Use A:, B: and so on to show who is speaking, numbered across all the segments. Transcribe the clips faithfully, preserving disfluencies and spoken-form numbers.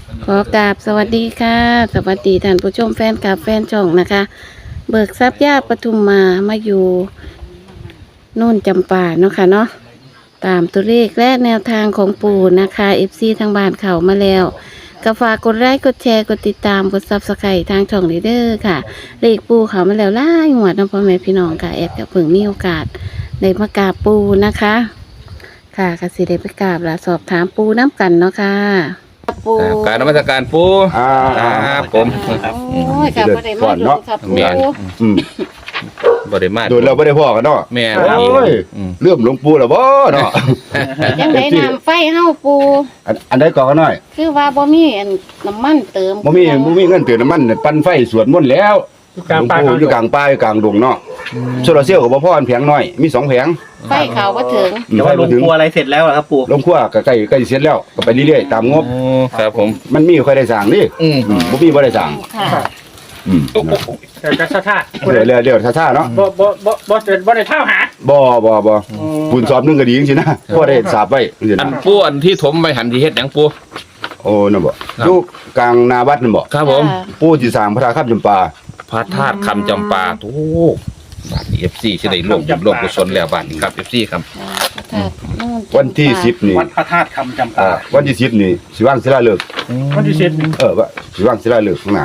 A: ขอกราบสวัสดีค่ะสวัสดีท่านผู้ชมแฟนคลับแฟนช่องนะคะ เบิกทรัพย์ย่าปทุมมามาอยู่โน่นจำปาเนาะค่ะเนาะตามตัวเลขและแนวทางของปู่นะคะเอฟซีทางบ้านเขามาแล้วก็ฝากกดไลค์กดแชร์กดติดตามกดซับสไครต์ทางช่องลีเดอร์ค่ะเลขปู่เขามาแล้วล่าหวดน้องพ่อแม่พี่น้องค่ะแอบกับเพิ่งมีโอกาสได้มากราบปู่นะคะค่ะกสิได้ไปกราบและสอบถามปู่น้ำกันเนาะค่ะปู่
B: การนมัสการปู
C: อ่า
B: ครับผม
A: โอ้ยกับบ่ได้มาดูครับปู่
C: อืม
B: บริมา
C: โดยเราไม่ได้พ่อกันเนาะ
B: แม่
C: โอ้ยเลื่อมหลวงปู่แล้วบ่เนาะ
A: ยังได้น้ำไฟเฮาปู่
C: อันอันใดก่อนกันหน่อย
A: คือว่าบ่มีอันน้ำมันเติม
C: บ่มีบ่มีเงินเติมน้ำมันปั่นไฟสวดมนต์แล้ว
D: อยู่กลางป่า
C: หลวงปู่อยู่กลางป่าอยู่กลางดงเนาะโซลาร์เซลล์ก็บ่พออันแผงน้อยมีสองแผง
A: ไฟเขาบ่ถึง
C: อืม
D: แต่
C: ไฟ
D: ว่าล
C: บ่
D: ง
C: ถึง
D: ครัวอะไรเสร็จแล้วเหรอครับปู่
C: ลงครัวก็ใกล้ใกล้เสร็จแล้วก็ไปเรื่อยๆตามงบ
B: โอ้ครับผม
C: มันมีค่อยได้สร้างนี่
B: อืม
C: อืมบ่มีบ่ได้สร้าง
A: ค่ะ
C: อืม
D: แต่จะซะท่า
C: เดี๋ยวเดี๋ยวเดี๋ยวช้าๆเนาะ
D: บ่บ่บ่บ่เสร็จบ่ได้เท่าหา
C: บ่บ่บ่บุญสอบหนึงก็ดีจังซี่นะพอได้สาบไว้จังซี่
B: อัน
C: นะ
B: ปูอันที่ถมไปหันที่เฮ็ดหยังปู
C: โอ้นั่นบ่
B: ครับ
C: อยู่กลางนาวัดนั่นบ่
B: ครับผม
C: ปู่สิสร้างพระธาตุคำจำปา
B: พระธาตุคำจำปาโอ้บ้านนี้ เอฟ ซี สิได้ร่วมบุญร่วมกุศลแล้วบ้านนี้ครับ เอฟ ซี ครับ
C: วันที่สิบนี่
D: วัดพระธาตุคำจำ
C: อ่า
D: ปา
C: วันที่สิบนี่สิว่างศิลาฤกษ์
D: วันที่สิบ
C: เออว่าสิว่างศิลาฤกษ์ข้างหน้า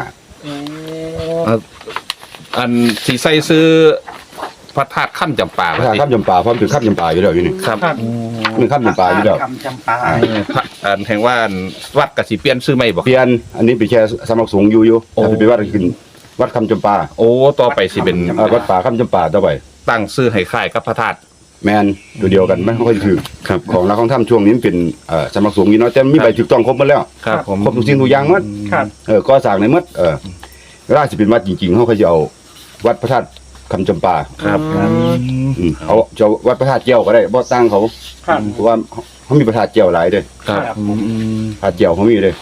B: อันที่ใส่ซื้อพระธาตุคำจำปา
C: พระธาตุคำจำปาพร้อมถึงคำจำปาอยู่แล้วอยู่นี่
B: ครับ
C: มันคำจำปาอยู่แล้ว
D: คำจำปา
B: พระอันแห่งว่าอันวัดกสิเปลี่ยนซื้อไม่บอก
C: เปลี่ยนอันนี้ไปแค่สำนักสงฆ์อยู่อยู่
B: โอ้
C: แต่ไปวัดขึ้นวัดคำจำปา
B: โอ้ต่อไปสิเป็น
C: เออวัดป่าคำจำปาต่อไป
B: ตั้งซื้อให้ค่ายกับพระธาตุ
C: แมนตัวเดียวกันไม่ค่อยถือ
B: ครับ
C: ของเราของถ้ำช่วงนี้มันเป็นเอ่อสำนักสงฆ์นี่เนาะแต่มีใบถูกต้องครบหมดแล้ว
B: ครับผม
C: ครบทุกสิ่งทุกอย่างหมด
D: ครับ
C: เออก็สร้างในหมดเออเวลาสิเป็นวัดจริงๆเขาก็จะเอาวัดพระธาตุคำจำปา
B: ครับ
C: อืมเอาจะเอาวัดพระธาตุเจียวก็ได้บ่ตั้งเขา
D: ครับ
C: เพราะว่าเขามีพระธาตุเจียวหลายเด้อ
B: ครับ
C: พระธาตุเจียวเขามีเด้อ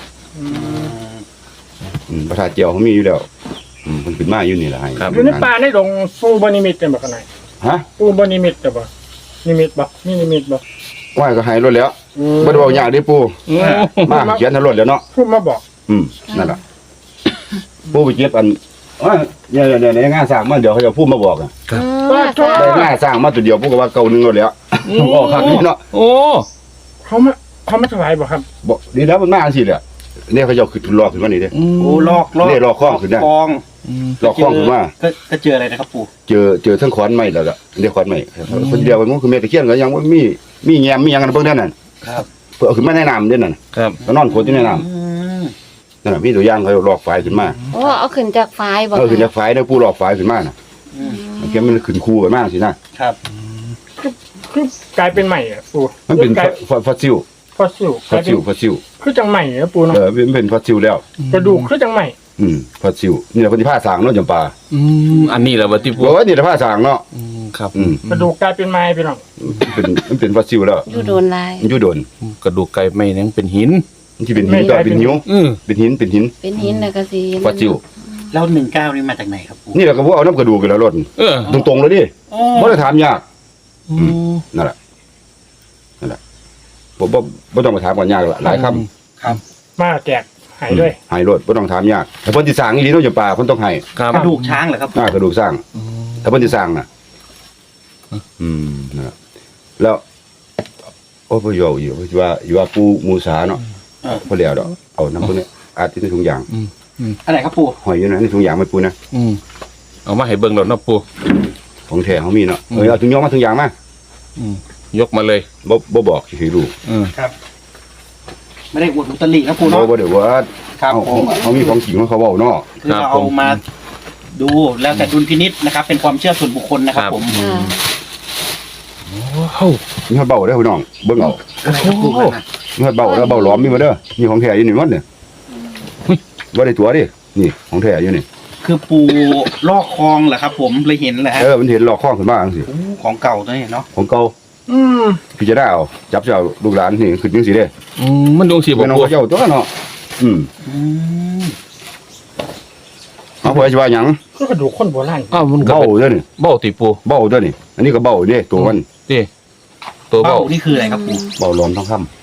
C: อืมพระธาตุเจียวเขามีอยู่แล้วอืมมันขึ้นมาอยู่นี่แหละให้
B: ครับ
D: อยู่ในป่าในดงปูบ่นิมิตเป็นบ่ข้างใน
C: ฮะ
D: ปูบ่นิมิตแต่บ่นิมิตบ่นี่นิมิตบ่
C: ว่าก็ให้รถแล้วบ่ได้บอกยากเด้ปู่มาเขียนให้รถแล้วเนาะ
D: พูดมาบอก
C: อืมนั่นล่ะปู่ไปเก็บอันว่าเนี่ยๆๆงานสร้างมาเดี๋ยวเขาจะพูดมาบอกอ่ะ
D: ว่าโทษ
C: ได้งานสร้างมาตัวเดียวปู่ก็ว่าเก่าหนึงรถแล้วออกคักนี่เนาะ
B: โอ้
D: เขามาเขามาถวายบ่ครับ
C: บ่ดีแล้วมันมาจังซี่แหละเนี่ยเขาจะขึ้นรอขึ้นมานี่เด้
D: โอ้ลอกลอก
C: นี่ลอกคล้องขึ้นได้
D: คล้อง
C: รอคล้องขึ้นมา
D: ก็ก็เจออะไรนะครับปู่
C: เจอเจอทั้งขอนไม้แล้วล่ะเรียกขอนไม้คนเดียวมันคือแม่ตะเคียนก็ยังบ่มีมีแยมมีหยังกันเบิ่งนั่นน่ะ
D: ครับ
C: เพิ่นเอาขึ้นมาในน้ำเด้นั่นน่ะ
B: ครับ
C: ก็นอนโคตรอยู่ในน้ำ
D: อืม
C: นั่นน่ะมีตัวอย่างเขาลอกฝายขึ้นมา
A: โอ้เอาขึ้นจากไฟบ่
C: เออขึ้นจากฝายได้ผู้ลอกฝายขึ้นมาน่ะ
D: อืม
C: มันแกมันขึ้นคู่กันมากสินะครับ
D: คือคือกลายเป็นใหม่อ่ะปู่
C: มันเป็น
D: กลาย
C: ฟอฟอสซิล
D: ฟอสซิล
C: ฟ
D: ก
C: อ
D: ลา
C: ส
D: ยเป็
C: ซิ
D: น
C: ลฟอสซิล
D: คือจังใหม่นะปู่เนาะ
C: เออมันเป็นฟอสซิลแล้ว
D: กระดูกคือจังใหม่
C: อืมฟอสซิลนี่แหละคนที่ผ้าสางเนาะจำปา
B: อืมอันนี้แหละวัตถุ
C: บอกว่านี่แหละผ้าสางเนาะ
B: อืมครับ
C: อืม
D: กระดูกกลายเป็นไม้พี่น้อง
C: มันเป็นมันเป็นฟอสซิลแล้ว
A: อยู่โดนลาย
C: มันอยู่โดน
B: กระดูกไก่ไม่ยังเป็นหิน
C: มันที่เป็นหินต่อเป็นหิว
B: อือ
C: เป็นหินเป็นหิน
A: เป็นหินแล้วก็สิ
C: ฟอสซิล
D: แล้วหนึ่งเก้านี่มาจากไหนครับปู่
C: นี่แหละก็ว่าเอาน้ำกระดูกกันแล้วรถ
B: เออ
C: ตรงๆเลยดิ
D: อ๋อ
C: บ่ได้ถามยาก
B: อืม
C: นั่นแหละนั่นแหละบ่บ่บ่ต้องไปถามก่อนยากละหลายคำ
D: ครับมาแจกหายด้วย
C: ให้รถบ่ต้องถามยากแต่เพิ่นสิสร้างอีหลีเนาะจำปาเพิ่นต้องให้
B: ครับ
D: กระดูกช้างเหรอครับ
C: หน้ากระดูกสร้างถ้าเพิ่นสิสร้างน่ะ อืมนั่นแหละแล้วโอ้บ่อยู่อยู่ว่าอยู่ว่าปูมูสาเนาะบ่แล้วดอกเอาน้ำพวกนี้อาจสิในถุงยาง
D: อะไรครับปู่
C: หอยอยู่นะในถุงยางไม่ปูนะ
B: อืมเอามาให้เบิ่งแล้วเนาะปู
C: ของแท้เขามีเนาะเออเอาถุงยางมาถุงยางมา
B: อืมยกมาเลย
C: บ่บ่บอกสิให้รู้
B: อืม
D: ครับ ไม่ได้อวดอุตรินะปู่
C: บ่
D: เนาะ
C: บ่ได้ว่า
D: ครับ
C: เอา
D: ผม
C: เขามีของจริงของเขาเว้าเนาะ
D: คือเราเอามาดูแล้วแต่ดุลพินิษนะครับ เป็นความเชื่อส่วนบุคคลนะครับผม
A: ค่ะ
B: ว้าว
C: มีเขาเบาเด้อพี่น้องเบิ่งเอา
D: อะไรครับปู่นั่นน่ะ
C: มีเขาเบาแล้วเบาหลอมมีมาเด้อนี่ของแท้อยู่นี่หมดเนี่ยบ่ได้ตัวดินี่ของแท้อยู่นี่
D: คือปูลอกคลองเหรอครับ ผมเลยเห็นแหละฮะ
C: เออมันเห็นหลอกข้องขึ้นมาจังซี่
D: โอ้ของเก่าตัวนี้เนาะ
C: ของเก่า
D: อืม
C: พี่จะได้เอาจับเจ้าลูกหลานนี่ขึ้นจังซี่เด้
B: อืมมันดวงสีบ่
C: เป็นน้อง
B: ปู
C: เจ้าตัวเนาะอืม
D: อืม
C: เอาเพิ่นสิว่าหยัง
D: ก็กระดูกคนโบราณ
B: อ้าวมันก็
C: เบ้า
B: เป็น
C: เด้อนี่
B: เบ้าติปู
C: เบ้าเด้อนี่อันนี้ก็เบ้าเด้ตัวมัน
B: ติตัว
D: เบ้า
B: เบ้า
D: นี่คืออะไรครับปู่
C: เบ้าหลอมทองคำ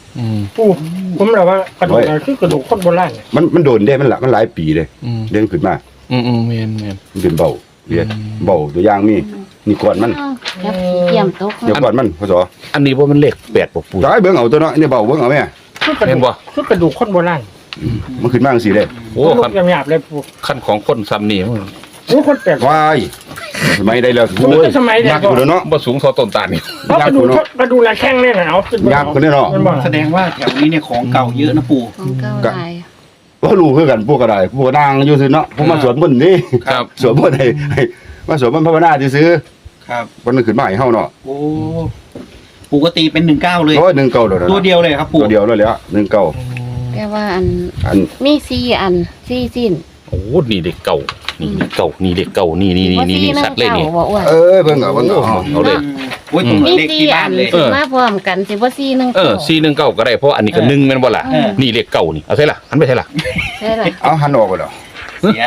B: อืม
E: ปูผมเราว่ากระดูกอะไรคือกระดูกคนโบราณ
C: มันมันโดนได้มันละมันหลายปีเลย
B: อืม
C: เด้งขึ้นมา
B: อืมอืมแม่นแม่น
C: มันเป็นเบาเรียน
B: อืม
C: เบาตัวอย่างมีนี่ก่อนมัน
A: จับขี้เกียมตก
C: เดี๋ยวก่อนมันพศ
B: อันนี้ว่ามันเลขแปดบ่ปู
C: จะให้เบิ่งเอาตัวเนาะนี่เบาเบิ่งเอาแม่
E: คือกระ
B: เห็
E: ดู
B: น
E: ก
B: บ่
E: คือกระดูกคนโบราณ
C: มันขึ้นมาจังซี่เด้
B: โอ้
E: กระดู
B: คั
E: ก
B: น
E: หยาบๆเลยปู
B: คันของคนซ้ำนี่มัน
E: โอ้คนแปลก
C: วายสมัยได้แล้ว
E: โอ้ยสมัยเด็ก
C: ยากอยู่แล้วเนาะ
B: บ่สูงเท่าต้นตาลนี่
E: เพราะกระดูกกระดูกละแข้งเนี่ยนะเอาขึ้น
C: ยากคนนี้เนาะ
E: มันบอก
D: แสดงว่าแถวนี้เนี่ยของเก่าเยอะนะปู่
A: ของเก่าหลาย
C: ว่ารู้คือกันพวกก็ได้พวกก็นางอยู่ซื่อเนาะพวกมาสวดมนต์นี่
B: ครับ
C: สวดมนต์ให้ให้มาสวดมนต์ภาวนาซื่อ
D: ครับ
C: ๆวันนึงขึ้นมาให้เฮาเนาะ
D: โอ้ปู่ก็ตีเป็นหนึ่งเก้าเลย
C: โอ้ยหนึ่งเก้าแล้วนะ
D: ตัวเดียวเลยครับปู่
C: ตัวเดียวแล้วแหละหนึ่งเก้า
A: แต่ว่าอัน
C: อัน
A: มีสี่อันสี่สิ้น
B: โอ้นี่เด็กเก่านี่เด็กเก่านี่เด็กเก่านี่นี่นี่
A: ว่า
B: นี่
A: สี่
B: นี่
A: หนึ่
B: ชัด
A: ง
B: เลย
A: เก่า
B: นี่
A: บ่อ้วน
C: เออเบิ่งเอาเบิ่งเอา
B: เอาเลย
D: โอ้ยตรงกับ
A: มี
D: เลข
A: สี่
D: ที่
A: อั
D: บ้าน
A: น
D: เลย
B: เออ
A: มาพร้อมกันสิว่าสี่หนึ่ง
B: เออสี่หนึ่งเก้าก็ได้เพราะอันนี้ก็หนึ่งแม่นบ่ล่ะ
D: เออ
B: นี่เลขเก่านี่เอาใช่ล่ะหันไปใช่ล่ะ
A: ใช่ล่ะ
C: เอาหันออกไปแล้ว
D: เสีย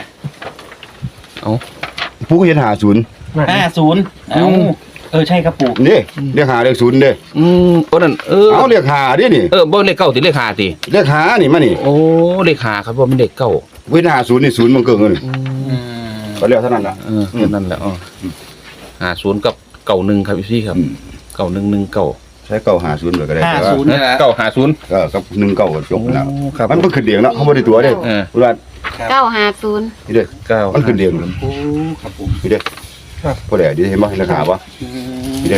C: ผู้ก็เห็นหาศูนย์
D: ห้าศูนย์เอ้าเออใช่ครับปู่
C: นี่เรียกหาเรียกศูนย์เด้
B: อืมโอ้นั่นเออ
C: เอาเรียกหาดินี่
B: เออบ่เลขเก้าติเลขห้าติ
C: เรียกหานี่มานี่
B: โอ้เลขห้าครับว่ามันเลขเก้า
C: เว้นหาศูนย์นี่ศูนย์มันเกินเลย
B: อืม
D: อืม
C: ก็เรียกเท่านั้นล่ะ
B: เออแค่นั้นแหละอ๋อห้าศูนย์กับเก้าหนึ่งครับพี่ครับ
C: อืม
B: เก้าหนึ่งหนึ่งเก้า
C: ใช้เก้าหาศูนย์เลยก็ได้
D: ห้า
C: แต่ว่า
D: ศูนย์เนี่ยนะ
B: เก้าห้าศูนย์
C: ก็กับหนึ่งเก้าก็จบแล้ว
B: โอ้ครับ
C: มันเพิ่งขึ้นเดียงเนาะเขาบ่ได้ตัวเด้
B: เออ
C: เวลา
D: ครับ
A: เก้าห้าศูนย์
C: นี่เด้อ
B: เก้า
C: มันขึ้นเดียง
D: โอ้ครับผม
C: นี่เด้อพอได้ดีเห็นบ่เห็นราคาบ่
D: อืม
C: นี่เด้อ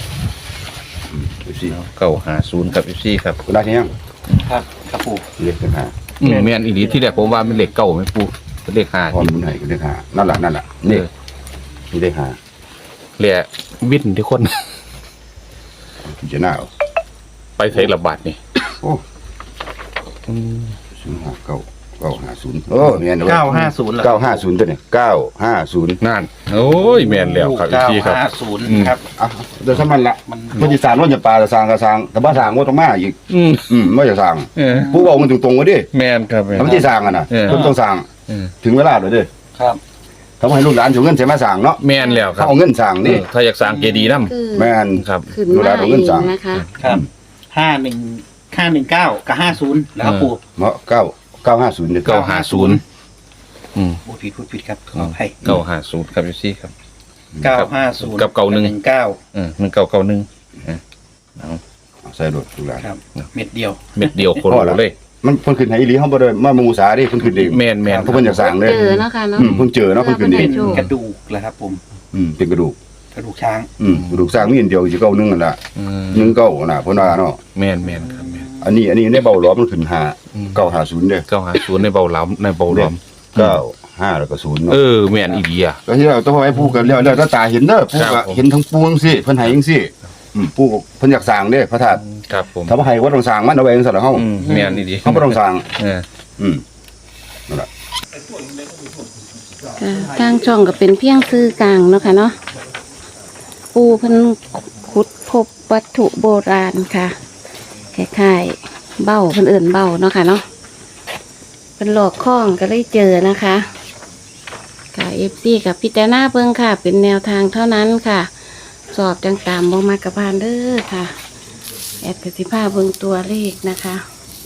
C: สิ
B: เก้าห้าศูนย์ครับพี่ครับ
C: คุณได้ที่ยัง
D: ครับครับปู่
C: นี่เด้อราคา
B: อืมแม่นอีหลีที่แรกผมว่ามันเลขเก้าไม่ปูเป็นเลขห้า
C: พร้อม
B: ที่
C: บุญให้ก็ได้หานั่นล่ะนั่นล่ะนี่นี่ได้หา
B: เหลือวินที่คน
C: พิจารณาเอา
B: ไปใช้ระบาดนี่
C: โอ้
B: อืม
C: ศูนย์ห้าเก้าเก้าห้าศูนย์โอ้แม่นเด้อ
D: เก้าห้าศูนย์เหรอ
C: เก้าห้าศูนย์ตัวนี้เก้าห้าศูนย์
B: นั่นโอ้ยแม่นแล้วครับ
D: เก้า
B: พี่ครับ
D: ห้าศูนย์
B: อืม
D: ครับ
C: อ่ะเดี๋ยวสมันละ
D: มัน
C: คนอีสานว่าจะปลาจะสร้างก็สร้างแต่บ่สร้างบ่ต้องมาอีก
B: อืม
C: อืมบ่จะสร้าง
B: เออ
C: ผู้บอกมันตรงๆว่าดิ
B: แม่นครับแม่น
C: ทำที่สร้างอ่ะนะ
B: เออ
C: เพิ่นต้องสร้าง
B: เออ
C: ถึงเวลาแล้วเด้อ
D: ครับ
C: ทำให้ลูกหลานเอาเงินใช้มาสร้างเนาะ
B: แม่นแล้วค
C: เขา
B: รับ
C: เอาเงินสร้างนี่
B: เออถ้าอยากสร้างเจดีย์นำ
A: คือ
C: แม่น
B: ครับ
A: ขึ้น
C: ดูแล
A: มา
C: เอา
A: เอ
C: เงิน
A: ง
C: สั่ง
A: นะคะ
D: ครับห้าหนึ่งห้าหนึ่งเก้ากับห้าศูนย์แล้วครับปู่
C: เนาะเก้าเก้าห้าศูนย์เด้อ
B: เก้าห้าศูนย์อืม
D: พูดผิดพูดผิดครับขออภัย
B: เก้าห้าศูนย์ครับพี่ครับ
D: เก้าห้าศูนย์
B: กับเก้าหนึ่ง
D: เก้า
B: เออหนึ่งเก้าเก้าหนึ่งเออเอา
C: เอาใส่รถลูกหลาน
D: ครับ เม็ดเดียว
B: เม็ดเดียวคน
C: พอละ
B: เลย
C: มันเพิ่นขึ้นให้อีหลีเฮาบ่ได้มามูสาดิเพิ่นขึ้นเอง
B: แม่นแม่น
C: เพราะเพิ่นอยากสร้างเด้อ
A: เจอเนาะค่ะเนาะ
C: อืมเพิ่นเจอเนาะเพิ่นขึ้นเอ
D: เป็
C: ง
D: น
A: โชว์
D: กระดูกแล้วครับผม
C: อืมเป็นกระดูก
D: กระดูกช้าง
C: อืมกระดูกสร้างมีอันเดียวสิเก้าหนึงนั่นล่ะ
B: อืม
C: หนึ่งเก้าน่ะเพิ่นว่าเนาะ
B: แม่นแม่นครับแม่น
C: อันนี้อันนี้ในเบาหลอมมันขึ้นห้า
B: อืม
C: เก้าห้าศูนย์เด้อ
B: เก้าห้าศูนย์ในเบาหลามในเบาหลอม
C: เก้าห้าแล้วก็ศูนย์เนาะ
B: เออแม่นอีดีอ่ะ
C: ก็ที่เราต้องให้ผู้กันแล้วแล้วถ้าตาเห็นเด้อผู้
B: ครั
C: ก็
B: บผม
C: เห็นทั้งปวงสิเพิ่นให้จังซี่อืมผู้เพิ่นอยากสร้างเด้พระธาตุ
B: ครับผม
C: ถ้าบ่ให้ก็ต้องสร้างมันเอาไว้จังซั่นล่ะเฮา
B: อืมแม่นอีดี
C: เฮาบ่ต้องสร้าง
B: เออ
C: อืมนั่นล่ะ
A: ค่ะทางช่องก็เป็นเพียงซื้อกลางเนาะค่ะเนาะปูเพิ่นขุดพบวัตถุโบราณค่ะคล้ายๆเบ้าเพิ่นเอิ่นเบ้าเนาะค่ะเนาะเป็นหลอกข้องก็เลยเจอนะคะค่ะเอฟซีกับพิจารณาเบิ่งค่ะ เป็นแนวทางเท่านั้นค่ะ สอบจังตามบ่มากระพานเด้อค่ะ แอดกสิภาเบิ่งตัวเลขนะคะ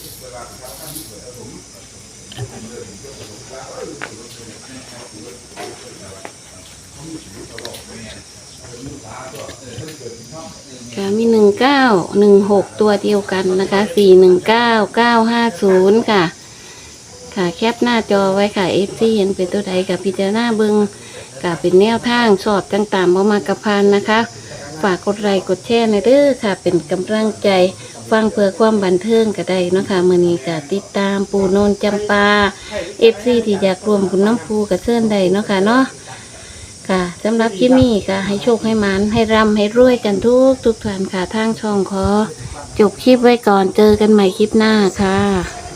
A: ค่ะมีหนึ่งเก้าหนึ่งหกตัวเดียวกันนะคะสี่หนึ่งเก้าเก้าห้าศูนย์ค่ะ ค่ะแคปหน้าจอไว้ค่ะเอฟซีเห็นเป็นตัวใดกับพิจารณาเบิ่งกับเป็นแนวทางสอบจังตามบ่มากระพานนะคะ ฝากกดไลค์กดแชร์ในเด้อค่ะ เป็นกำลังใจฟังเพื่อความบันเทิงก็ได้เนาะค่ะมื้อนี้ก็ติดตามปูโนนจำปา เอฟ ซี ที่อยากรวมบุญน้ำปูกับเชิญได้เนาะค่ะเนาะค่ะสำหรับคลิปนี้ก็ให้โชคให้หมันให้ร่ำให้รวยกันทุกทุกท่านค่ะทางช่องขอจบคลิปไว้ก่อนเจอกันใหม่คลิปหน้าค่ะ